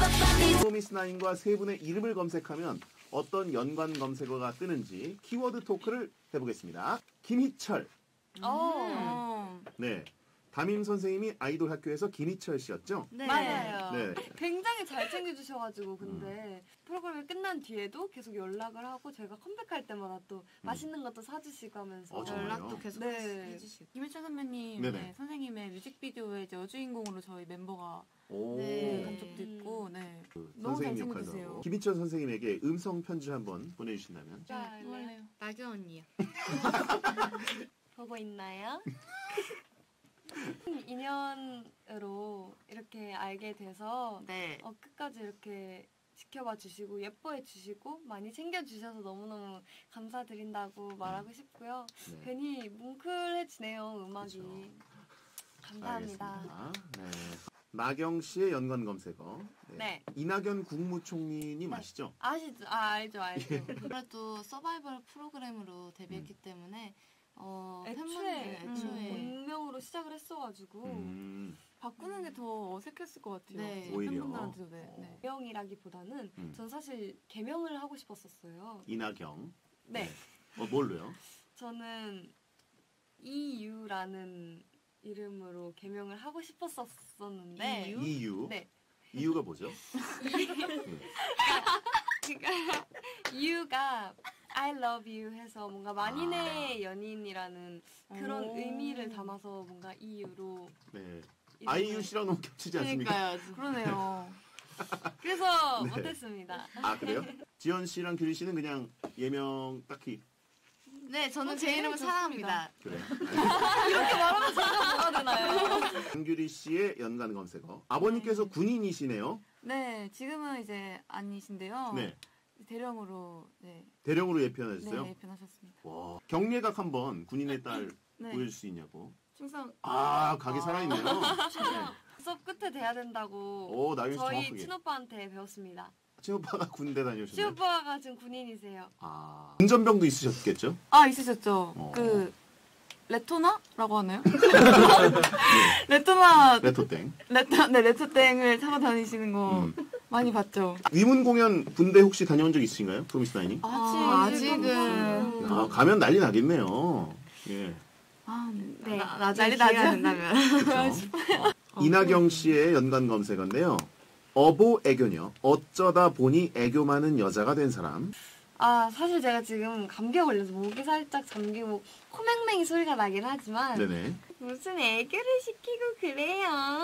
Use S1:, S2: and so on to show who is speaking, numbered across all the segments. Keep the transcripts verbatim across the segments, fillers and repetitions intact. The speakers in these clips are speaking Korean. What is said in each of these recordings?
S1: 프로미스나인과 세 분의 이름을 검색하면 어떤 연관 검색어가 뜨는지 키워드 토크를 해보겠습니다. 김희철.
S2: 음.
S1: 네. 담임 선생님이 아이돌 학교에서 김희철 씨였죠?
S2: 네.
S3: 맞아요.
S1: 네.
S3: 굉장히 잘 챙겨주셔가지고 근데 음. 프로그램이 끝난 뒤에도 계속 연락을 하고 저희가 컴백할 때마다 또 음. 맛있는 것도 사주시고 하면서
S1: 어,
S2: 연락도 계속
S3: 네.
S2: 해주시고 김희철 선배님 네, 선생님의 뮤직비디오에 이제 여주인공으로 저희 멤버가 네, 간 적도 있고 네.
S1: 그
S2: 너무 잘 챙겨주세요.
S1: 김희철 선생님에게 음성 편지 한번 보내주신다면?
S3: 네,
S2: 원래요. 나경 언니요.
S3: 보고 있나요? 인연으로 이렇게 알게 돼서
S2: 네.
S3: 어, 끝까지 이렇게 지켜봐 주시고 예뻐해 주시고 많이 챙겨주셔서 너무너무 감사드린다고 말하고 싶고요. 네. 괜히 뭉클해지네요, 음악이. 그렇죠. 감사합니다.
S1: 네. 나경 씨의 연관 검색어. 네.
S3: 네.
S1: 이낙연 국무총리님 네. 아시죠?
S3: 아시죠? 아, 알죠, 알죠.
S2: 그래도 서바이벌 프로그램으로 데뷔했기 음. 때문에 어,
S3: 애초에,
S2: 애초에
S3: 본명으로 시작을 했어가지고
S1: 음.
S2: 바꾸는 게 더 어색했을 것 같아요.
S1: 네. 오히려
S2: 팬분들한테도 네. 네.
S3: 개명이라기보다는 음. 전 사실 개명을 하고 싶었었어요.
S1: 이낙경.
S3: 네.
S1: 네. 어, 뭘로요?
S3: 저는 이유라는 이름으로 개명을 하고 싶었었는데
S1: 이유? 이유?
S3: 네.
S1: 이유가 뭐죠?
S3: 그러니까 이유가 I love you 해서 뭔가 만인의 아. 연인이라는 그런 오. 의미를 담아서 뭔가 이유로
S1: 네. 아이유 씨랑 너무 겹치지 않습니까?
S2: 그러니까요. 그러네요.
S3: 그래서
S1: 네.
S3: 못했습니다.
S1: 아 그래요? 지연 씨랑 규리 씨는 그냥 예명 딱히
S2: 네, 저는 제 이름은 사랑합니다.
S1: 그래.
S3: 이렇게 말하면 제가 뭐가 되나요?
S1: 강규리 씨의 연관 검색어. 아버님께서 네. 군인이시네요.
S2: 네, 지금은 이제 아니신데요. 네. 대령으로 네.
S1: 대령으로 예편하셨어요?
S2: 네, 예편하셨습니다.
S1: 와, 경례각 한번 군인의 딸 네. 보여줄 수 있냐고.
S2: 충성.
S1: 아, 각이 아. 살아있네요. 네.
S3: 수업 끝에 돼야 된다고
S1: 오,
S3: 저희
S1: 정확하게.
S3: 친오빠한테 배웠습니다.
S1: 친오빠가 군대 다녀오셨나요?
S3: 친오빠가 지금 군인이세요.
S1: 아, 운전병도 있으셨겠죠?
S2: 아, 있으셨죠. 어. 그 레토나라고 하나요? 네. 레토나
S1: 레토땡.
S2: 레토 네, 레토땡을 타고 다니시는 거 음. 많이 봤죠.
S1: 위문 공연 군대 혹시 다녀온 적 있으신가요? 프로미스나인이?
S2: 아, 아직은.
S1: 아, 가면 난리 나겠네요. 예.
S2: 아,
S3: 네.
S2: 나, 나중에 기회가 된다면.
S1: 이낙경 씨의 연관 검색어인데요. 어보 애교녀. 어쩌다 보니 애교 많은 여자가 된 사람.
S3: 아, 사실 제가 지금 감기가 걸려서 목이 살짝 잠기고 코맹맹이 소리가 나긴 하지만
S1: 네네.
S3: 무슨 애교를 시키고 그래요.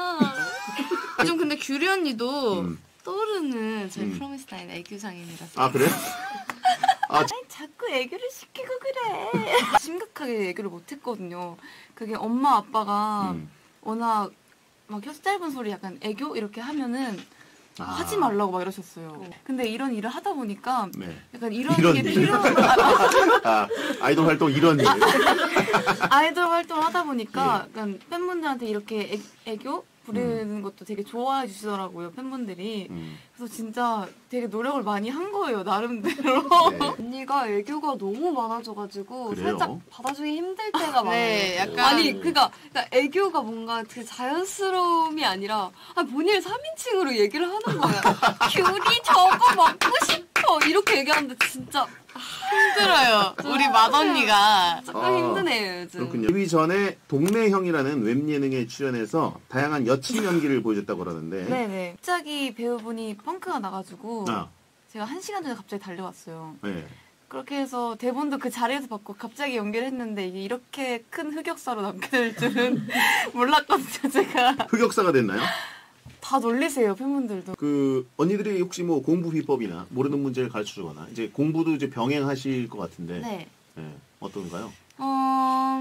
S2: 좀 근데 규리 언니도
S1: 음.
S2: 떠오르는 저희
S1: 음.
S2: 프로미스나인 애교장님이라서.
S1: 아, 그래요?
S3: 아, 아니, 자꾸 애교를 시키고 그래.
S2: 심각하게 애교를 못했거든요. 그게 엄마 아빠가
S1: 음.
S2: 워낙 막 혀 짧은 소리 약간 애교 이렇게 하면은
S1: 아.
S2: 하지 말라고 막 이러셨어요. 근데 이런 일을 하다 보니까
S1: 네.
S2: 약간 이런,
S1: 이런
S2: 게
S1: 일.
S2: 필요한
S1: 아, 아이돌 활동 이런 일.
S2: 아, 아이돌 활동을 하다 보니까
S1: 예.
S2: 약간 팬분들한테 이렇게 애, 애교 부리는 음. 것도 되게 좋아해 주시더라고요, 팬분들이.
S1: 음.
S2: 그래서 진짜 되게 노력을 많이 한 거예요, 나름대로.
S1: 네.
S3: 언니가 애교가 너무 많아져가지고
S1: 그래요?
S3: 살짝 받아주기 힘들 때가 많아요.
S2: 네, 약간.
S3: 아니, 그니까, 그러니까 애교가 뭔가 그 자연스러움이 아니라, 아, 본인을 삼인칭으로 얘기를 하는 거야. 귤이 저거 먹고 싶어! 이렇게 얘기하는데 진짜.
S2: 힘들어요. 우리 맏언니가.
S3: 조금
S1: 아,
S3: 힘드네요, 요즘.
S1: 그렇군요. 데뷔 전에 동네형이라는 웹예능에 출연해서 다양한 여친 연기를 보여줬다고 그러는데.
S2: 네네. 갑자기 배우분이 펑크가 나가지고
S1: 아.
S2: 제가 한 시간 전에 갑자기 달려왔어요.
S1: 네.
S2: 그렇게 해서 대본도 그 자리에서 받고 갑자기 연기를 했는데 이게 이렇게 큰 흑역사로 남게 될 줄은 몰랐거든요, 제가.
S1: 흑역사가 됐나요?
S2: 다 놀리세요, 팬분들도.
S1: 그 언니들이 혹시 뭐 공부 비법이나 모르는 문제를 가르쳐주거나 이제 공부도 이제 병행하실 것 같은데.
S2: 네.
S1: 네. 어떤가요?
S2: 어,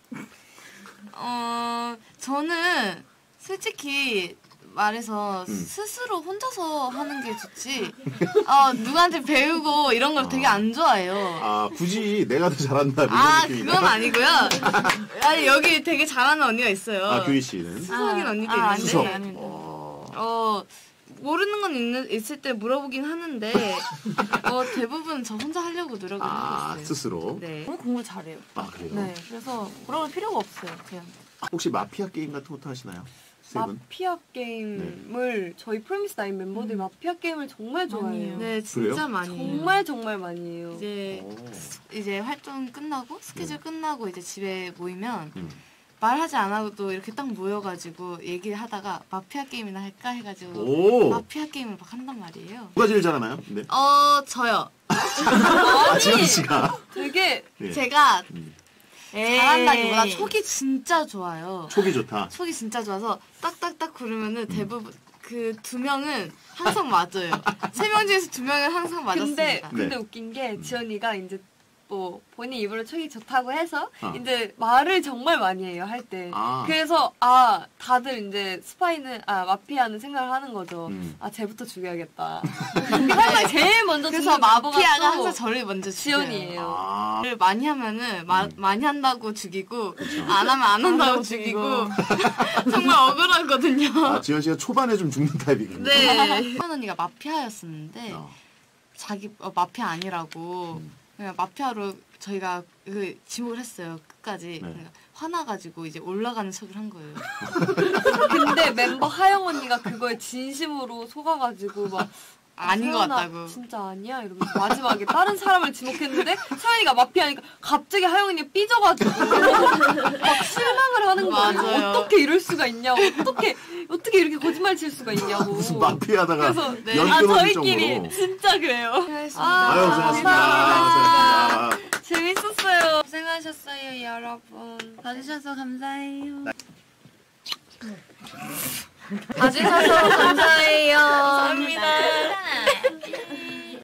S2: 어, 저는 솔직히 말해서
S1: 음.
S2: 스스로 혼자서 하는 게 좋지. 어, 누구한테 배우고 이런 걸 아. 되게 안 좋아해요.
S1: 아, 굳이 내가 더 잘한다. 이런
S2: 아,
S1: 느낌이다.
S2: 그건 아니고요. 아니, 여기 되게 잘하는 언니가 있어요.
S1: 아, 규리 씨는?
S2: 수석인
S3: 아,
S2: 언니도
S3: 아,
S2: 있는데.
S1: 수석.
S2: 아닙니다.
S1: 어.
S2: 어, 모르는 건 있는, 있을 때 물어보긴 하는데, 어, 대부분 저 혼자 하려고 노력을
S1: 아,
S2: 하고 있어요.
S1: 스스로?
S2: 네. 너무 공부를 잘해요.
S1: 아, 그래요?
S2: 네. 그래서 물어볼 필요가 없어요, 그냥.
S1: 혹시 마피아 게임 같은 것도 하시나요? 세 분?
S3: 마피아 게임을 저희 프로미스 나인 멤버들이 마피아 게임을 정말 좋아해요.
S2: 네, 진짜
S1: 그래요?
S2: 많이 해요.
S3: 정말 정말 많이 해요.
S2: 이제
S1: 오.
S2: 이제 활동 끝나고 스케줄
S1: 네.
S2: 끝나고 이제 집에 모이면
S1: 음.
S2: 말하지 않아도 이렇게 딱 모여가지고 얘기하다가 마피아 게임이나 할까 해가지고
S1: 오.
S2: 마피아 게임을 막 한단 말이에요.
S1: 누가 제일 잘하나요? 네.
S2: 어 저요.
S1: 아, 지현 씨가.
S3: 되게
S1: 네.
S2: 제가
S1: 음.
S2: 잘한다기보다 촉이 진짜 좋아요.
S1: 촉이 좋다.
S2: 촉이 진짜 좋아서 딱딱딱 구르면은 대부분 그 두 명은 항상 맞아요. 세 명 중에서 두 명은 항상 맞았습니다.
S3: 근데 근데
S1: 네.
S3: 웃긴 게 지연이가 이제 뭐 본인 입으로 촉이 좋다고 해서
S1: 아.
S3: 이제 말을 정말 많이 해요 할 때.
S1: 아.
S3: 그래서 아 다들 이제 스파이는 아 마피아는 생각을 하는 거죠.
S1: 음.
S3: 아 쟤부터 죽여야겠다. 항상 제일 먼저
S2: 그래서
S3: 죽는 마보가
S2: 마피아가
S3: 또
S2: 항상 저를 먼저 죽여요.
S3: 지연이에요.
S1: 아.
S2: 를 많이 하면은 마,
S1: 음.
S2: 많이 한다고 죽이고 안 하면 안 한다고
S3: 한다고
S2: 죽이고
S3: 죽이고.
S2: 정말 억울하거든요.
S1: 아, 지현 씨가 초반에 좀 죽는 타입이군요.
S2: 네. 한 언니가 마피아였었는데
S1: 어.
S2: 자기 어, 마피아 아니라고
S1: 음.
S2: 그냥 마피아로 저희가 그 지목을 했어요 끝까지.
S1: 네.
S2: 그러니까 화나가지고 이제 올라가는 척을 한 거예요.
S3: 근데 멤버 하영 언니가 그거에 진심으로 속아가지고 막
S2: 아닌 것
S3: 서연아,
S2: 같다고.
S3: 진짜 아니야 이러면서 마지막에 다른 사람을 지목했는데 서연이가 마피아니까 갑자기 하영 언니가 삐져가지고 막 실망을 하는 거예요.
S2: 맞아요.
S3: 어떻게 이럴 수가 있냐고. 어떻게 어떻게 이렇게 거짓말 칠 수가 있냐고.
S1: 무슨 마피아다가
S3: 그래서
S2: 네.
S1: 연
S3: 아
S1: 끊어질
S3: 저희끼리
S1: 정도로.
S3: 진짜 그래요.
S2: 수고하셨습니다.
S1: 아유, 고생하셨습니다. 고생하셨습니다.
S3: 재밌었어요.
S2: 고생하셨어요 여러분. 봐주셔서 감사해요.
S3: 봐주셔서 감사해요.
S2: 감사합니다.